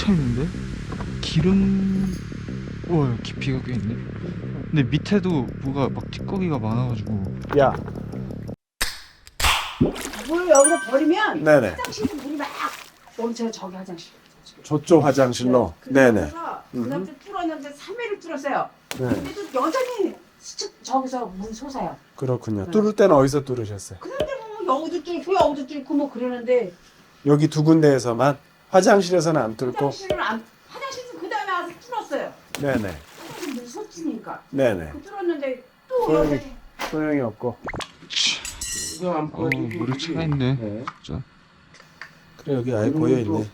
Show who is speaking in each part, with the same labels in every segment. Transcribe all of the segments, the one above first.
Speaker 1: 차 있는데? 기름... 와, 깊이가 꽤 있네. 근데 밑에도 뭐가 막 찌꺼기가 많아가지고.
Speaker 2: 야,
Speaker 3: 물 여기서 버리면
Speaker 2: 네네.
Speaker 3: 화장실에 물이 막 넘쳐요. 저기 화장실.
Speaker 2: 저쪽 화장실로. 네네.
Speaker 3: 그 남자 뚫었는데 3회를 뚫었어요.
Speaker 2: 네.
Speaker 3: 근데도 여전히 저기서 물 솟아요.
Speaker 2: 그렇군요. 뚫을 때는 어디서 뚫으셨어요?
Speaker 3: 그런데 뭐 여기도 뚫고 여기도 뚫고 뭐 그러는데
Speaker 2: 여기 두 군데에서만 화장실에서는 안 뚫고.
Speaker 3: 화장실은 그 다음에 와서 뚫었어요.
Speaker 2: 네네.
Speaker 3: 화장실 물 솟으니까.
Speaker 2: 네네.
Speaker 3: 그 뚫었는데 또
Speaker 2: 소용이,
Speaker 3: 여전히
Speaker 2: 소용이 없고. 이거 안
Speaker 1: 물이 차가 있네.
Speaker 2: 네.
Speaker 1: 진짜.
Speaker 2: 그래 여기 아예 보여 있네.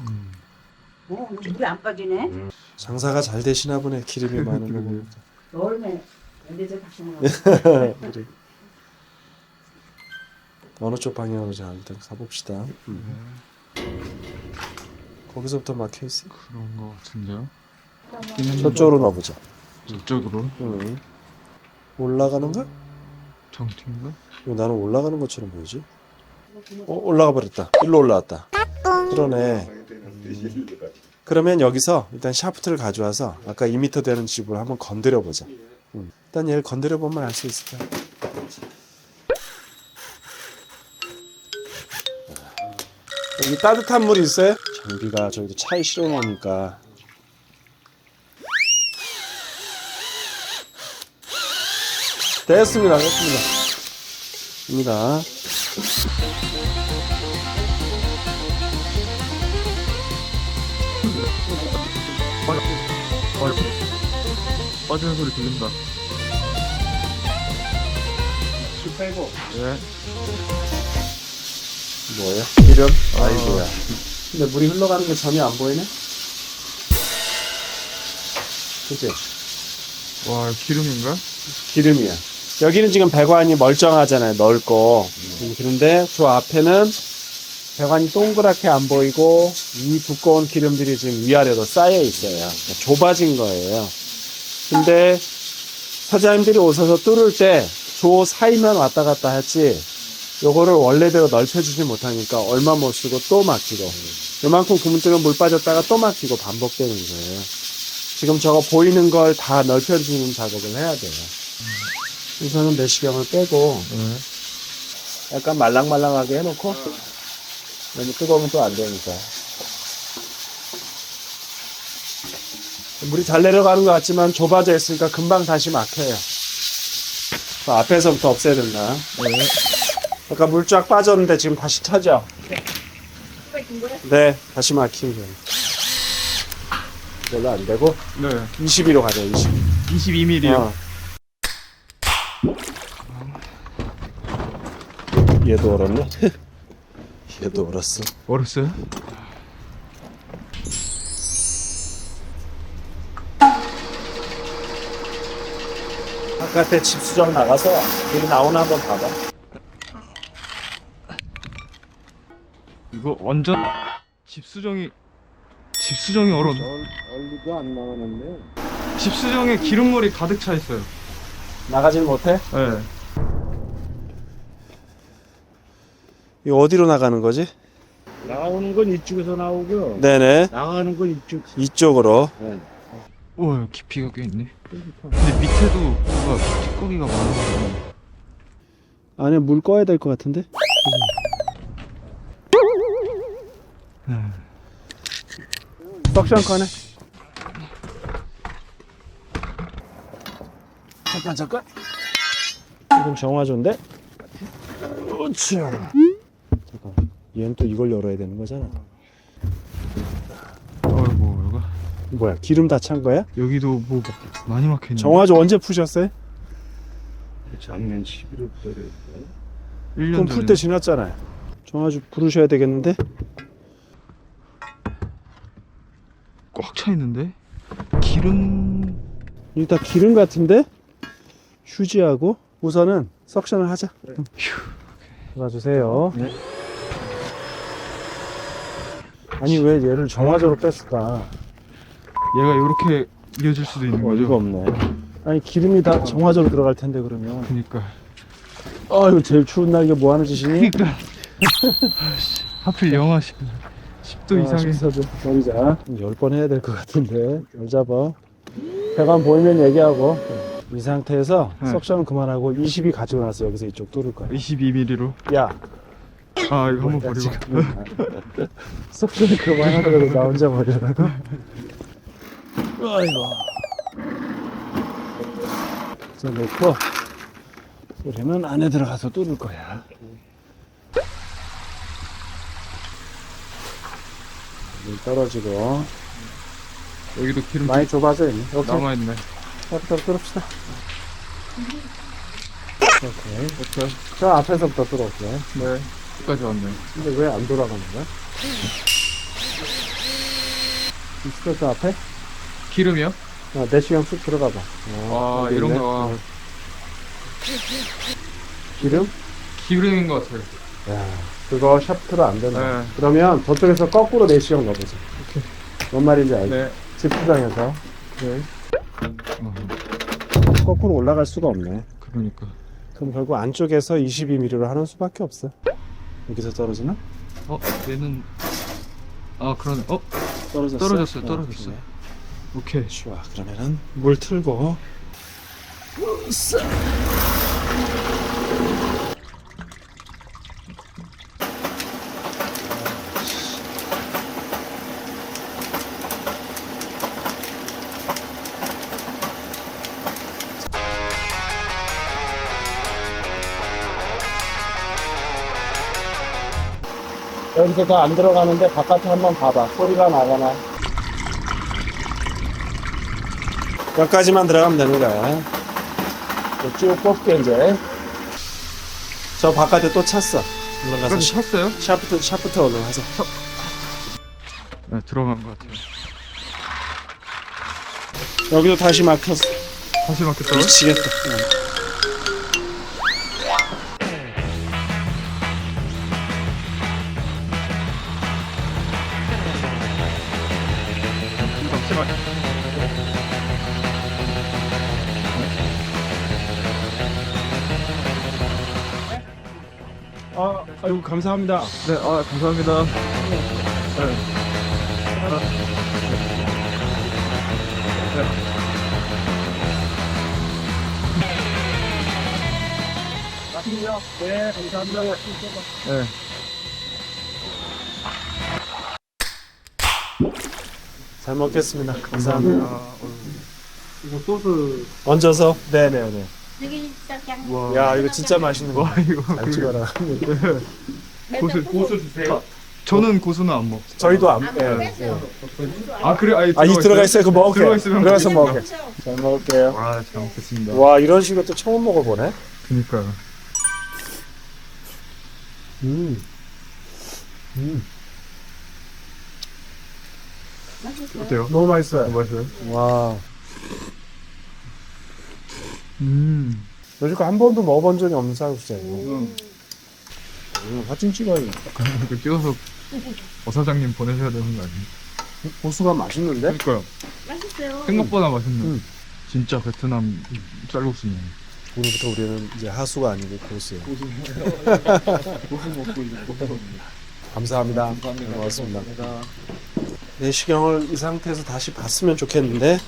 Speaker 3: 물이 안 빠지네.
Speaker 2: 장사가 잘 되시나 보네. 기름이 많은 거 보니까.
Speaker 3: 여름에 밴드제 다시 먹어.
Speaker 2: 우리 어느 쪽 방향으로 자 일단 가봅시다. 거기서부터 막혀 있어.
Speaker 1: 그런 거 같은데요?
Speaker 2: 저쪽으로 넣어보자.
Speaker 1: 저쪽으로?
Speaker 2: 올라가는가?
Speaker 1: 정팀인가?
Speaker 2: 이거 나는 올라가는 것처럼 보이지? 올라가 버렸다. 일로 올라왔다. 그러네. 그러면 여기서 일단 샤프트를 가져와서 아까 2m 되는 집을 한번 건드려 보자. 일단 얘를 건드려 보면 알 수 있을 거야. 여기 따뜻한 물 있어요? 장비가 저기도 차에 실어 놓으니까. 됐습니다. 입니다.
Speaker 1: 빠지는 소리 들린다.
Speaker 2: 술 빼고.
Speaker 1: 예.
Speaker 2: 뭐예요? 기름? 아이고야. 근데 물이 흘러가는 게 전혀 안 보이네? 그치?
Speaker 1: 와, 기름인가?
Speaker 2: 기름이야. 여기는 지금 배관이 멀쩡하잖아요. 넓고. 그런데 저 앞에는 배관이 동그랗게 안 보이고 이 두꺼운 기름들이 지금 위아래로 쌓여 있어요. 좁아진 거예요. 근데 사장님들이 오셔서 뚫을 때 조 사이만 왔다 갔다 했지 요거를 원래대로 넓혀주지 못하니까 얼마 못 쓰고 또 막히고 요만큼 구멍 물 빠졌다가 또 막히고 반복되는 거예요. 지금 저거 보이는 걸 다 넓혀주는 작업을 해야 돼요. 우선은 내시경을 빼고 약간 말랑말랑하게 해놓고 너무 뜨거우면 또 안 되니까. 물이 잘 내려가는 것 같지만 좁아져 있으니까 금방 다시 막혀요. 앞에서부터 없애야 된다. 아까 물 쫙 빠졌는데 지금 다시 차죠? 네, 다시 막히는 거예요. 별로 안 되고
Speaker 1: 네.
Speaker 2: 22로 가자.
Speaker 1: 22mm요.
Speaker 2: 얘도 얼었네. 얘도 얼었어.
Speaker 1: 얼었어요?
Speaker 2: 바깥에 집수정 나가서 여기 나오나 한번 봐봐.
Speaker 1: 이거 완전 집수정이 얼어.
Speaker 2: 얼리도 안 나오는데.
Speaker 1: 집수정에 기름물이 가득 차 있어요.
Speaker 2: 나가질 못해?
Speaker 1: 네.
Speaker 2: 이거 어디로 나가는 거지?
Speaker 4: 나오는 건 이쪽에서 나오고
Speaker 2: 네네.
Speaker 4: 나가는 건 이쪽.
Speaker 2: 이쪽으로.
Speaker 1: 우와, 깊이가 꽤 있네. 근데 밑에도 뭐가 찌꺼기가 많아가지고.
Speaker 2: 안에 물 꺼야 될 것 같은데? 석션 꺼내. 잠깐. 지금 정화조인데? 그렇지. 잠깐. 얘는 또 이걸 열어야 되는 거잖아.
Speaker 1: 어이구, 이거.
Speaker 2: 뭐야? 기름 다 찬 거야?
Speaker 1: 여기도 뭐 많이 막혀있네.
Speaker 2: 정화조 언제 푸셨어요?
Speaker 4: 작년 11월달에
Speaker 1: 1년
Speaker 2: 그럼 풀 때 지났잖아요. 정화조 부르셔야 되겠는데?
Speaker 1: 꽉 차 있는데? 기름...
Speaker 2: 이게 다 기름 같은데? 휴지하고 우선은 석션을 하자. 봐주세요.
Speaker 1: 네.
Speaker 2: 아니 왜 얘를 정화조로 뺐을까?
Speaker 1: 얘가 이렇게 이어질 수도 있는 거죠?
Speaker 2: 이거 없네. 아니 기름이 다 정화조로 들어갈 텐데 그러면.
Speaker 1: 그니까.
Speaker 2: 이거 제일 추운 날 이게 뭐 하는 짓이니?
Speaker 1: 그니까. 하필 영하 10도 이상이.
Speaker 2: 버리자. 10번 해야 될 것 같은데. 잘 잡아. 배관 보이면 얘기하고. 이 상태에서
Speaker 1: 네.
Speaker 2: 석션은 그만하고 22 가지고 나서 여기서 이쪽 뚫을 거야.
Speaker 1: 22mm로.
Speaker 2: 야,
Speaker 1: 아 이거 한번 버리고.
Speaker 2: 석션은 그만하더라도 나 혼자 버리라고. 아이고. 자, 놓고 우리는 안에 들어가서 뚫을 거야. 물 떨어지고
Speaker 1: 여기도 기름
Speaker 2: 많이 좁아져 있네. 이렇게
Speaker 1: 남아있네.
Speaker 2: 부터 뚫읍시다. 오케이.
Speaker 1: 오케이.
Speaker 2: 저 앞에서부터 뚫을게.
Speaker 1: 네. 여기까지 왔네.
Speaker 2: 근데 왜 안 돌아가는 거야? 있어, 저 앞에?
Speaker 1: 기름이요?
Speaker 2: 내시경 쑥 들어가 봐.
Speaker 1: 아
Speaker 2: 여기
Speaker 1: 이런
Speaker 2: 있네.
Speaker 1: 거
Speaker 2: 기름?
Speaker 1: 기름인 것 같아요.
Speaker 2: 야, 그거 샤프트로 안 된다.
Speaker 1: 네.
Speaker 2: 그러면 저쪽에서 거꾸로 내시경 넣어보자. 뭔 말인지 알지?
Speaker 1: 네.
Speaker 2: 집수장에서.
Speaker 1: 네.
Speaker 2: 거꾸로 올라갈 수가 없네.
Speaker 1: 그러니까.
Speaker 2: 그럼 결국 안쪽에서 22mm로 하는 수밖에 없어. 여기서 떨어지나?
Speaker 1: 얘는 그러네.
Speaker 2: 떨어졌어.
Speaker 1: 떨어졌어요. 떨어졌어요. 오케이.
Speaker 2: 좋아. 그러면은 물 틀고. 여기서 더 안 들어가는데 바깥에 한번 봐봐. 소리가 나거나. 여기까지만 들어가면 되는 거야. 쭉 뽑게 이제. 저 바깥에 또 찼어. 올라가서
Speaker 1: 그럼 찼어요?
Speaker 2: 샤프트 올라가서.
Speaker 1: 네 들어간 것 같아요.
Speaker 2: 여기도 다시 막혔어.
Speaker 1: 다시 막혔다고요?
Speaker 2: 미치겠다.
Speaker 1: 잠시만.
Speaker 2: 아이고 감사합니다.
Speaker 1: 네, 감사합니다. 네.
Speaker 2: 네, 감사합니다.
Speaker 1: 네.
Speaker 2: 잘 먹겠습니다. 감사합니다.
Speaker 4: 이거 소스
Speaker 2: 얹어서. 네네네.
Speaker 3: 여기 짱.
Speaker 1: 와.
Speaker 2: 야 이거 진짜 맛있는 거.
Speaker 1: 와 이거
Speaker 2: 잘 찍어라.
Speaker 1: 고수 주세요. 저는 고수는 안 먹어요.
Speaker 2: 저희도 안.
Speaker 3: 네.
Speaker 1: 그래?
Speaker 2: 이 들어가 있어요. 그 먹을게.
Speaker 1: 들어가 있으면
Speaker 2: 들어가서
Speaker 1: 먹겠습니다.
Speaker 2: 먹을게. 잘 먹을게요.
Speaker 1: 와, 잘 먹겠습니다.
Speaker 2: 와 이런 식으로 또 처음 먹어보네.
Speaker 1: 그니까요. 어때요?
Speaker 2: 너무 맛있어요.
Speaker 1: 맛있어요?
Speaker 2: 와. 여지껏 한 번도 먹어본 적이 없는 쌀국수예요. 사진 찍어야 돼.
Speaker 1: 이거 찍어서 어사장님 보내셔야 되는 거 아니에요?
Speaker 2: 고수가 맛있는데?
Speaker 1: 그러니까요.
Speaker 3: 맛있어요.
Speaker 1: 생각보다 맛있네.
Speaker 2: 음.
Speaker 1: 진짜 베트남 쌀국수네.
Speaker 2: 오늘부터 우리는 이제 하수가 아니고 고수예요.
Speaker 1: 고수 먹고 있는
Speaker 2: 감사합니다. 네, 고맙습니다. 내시경을 이 상태에서 다시 봤으면 좋겠는데.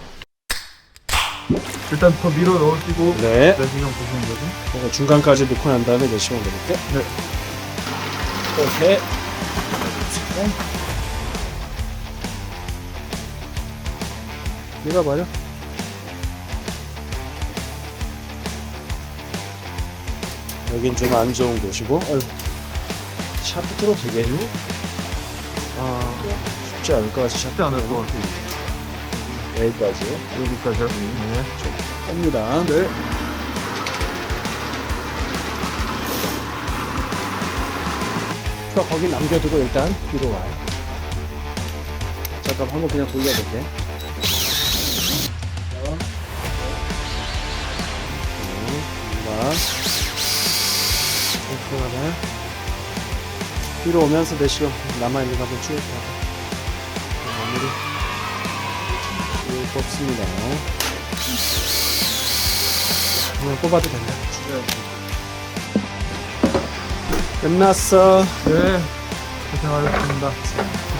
Speaker 1: 일단 더 밀어 넣으시고
Speaker 2: 네.
Speaker 1: 내시경 보시는 거죠?
Speaker 2: 제가 중간까지 넣고 난 다음에 내시경 넣을게.
Speaker 1: 네.
Speaker 2: 이렇게. 밀어버려. 여긴 좀 안 좋은 곳이고. 샤프트로 되게요? 쉽지 않을 것 같이
Speaker 1: 쉽지 않을 것 같아요.
Speaker 2: 여기까지.
Speaker 1: 여기까지요? 네.
Speaker 2: 뺍니다. 네. 거기 남겨두고 일단 뒤로 와요. 잠깐 한번 그냥 돌려볼게. 하나. 뒤로 오면서 내시경 남아있는 거 한번 쭉 봐. 마무리. 쭉 뽑습니다. 그냥 뽑아도 된다. 끝났어.
Speaker 1: 네.
Speaker 4: 고생하셨습니다.